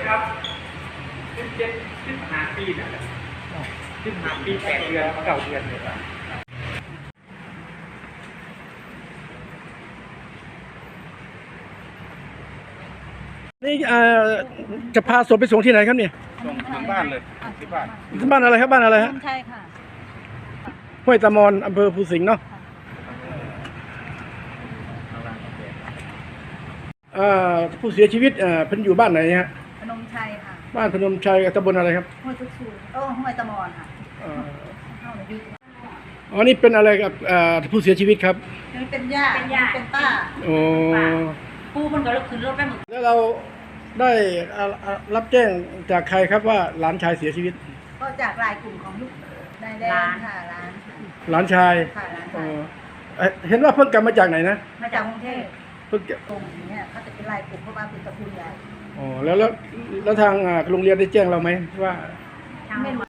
ครับ15 ปีนั่นแหละ15 ปี8 เดือน9 เดือนเลยครับนี่จะพาศพไปส่งที่ไหนครับเนี่ยส่งถึงบ้านเลยที่บ้านบ้านอะไรครับบ้านอะไรฮะใช่ค่ะห้วยตะมอนอำเภอภูสิงห์เนาะผู้เสียชีวิตเพิ่นอยู่บ้านไหนฮะพนมชัยค่ะบ้านพนมชัยตำบลอะไรครับห้วยทุกชูห้วยตะมอนค่ะเอ่อเข้าในยุคอ๋อนี่เป็นอะไรกับผู้เสียชีวิตครับนี่เป็นย่าเป็นป้าโอ้ปูมันก็ลุกขึ้นรถไปหมดแล้วเราได้รับแจ้งจากใครครับว่าหลานชายเสียชีวิตก็จากรายกลุ่มของลูกนายแดงค่ะร้านหลานชายค่ะร้านเอ่อเห็นว่าเพิ่งกลับมาจากไหนนะมาจากกรุงเทพเพิ่งกลับกลุ่มนี้เขาจะเป็นรายกลุ่มเพราะว่าเป็นตระกูลใหญ่อ๋อแล้วทางโรงเรียนได้แจ้งเราไหมว่าไม่รู้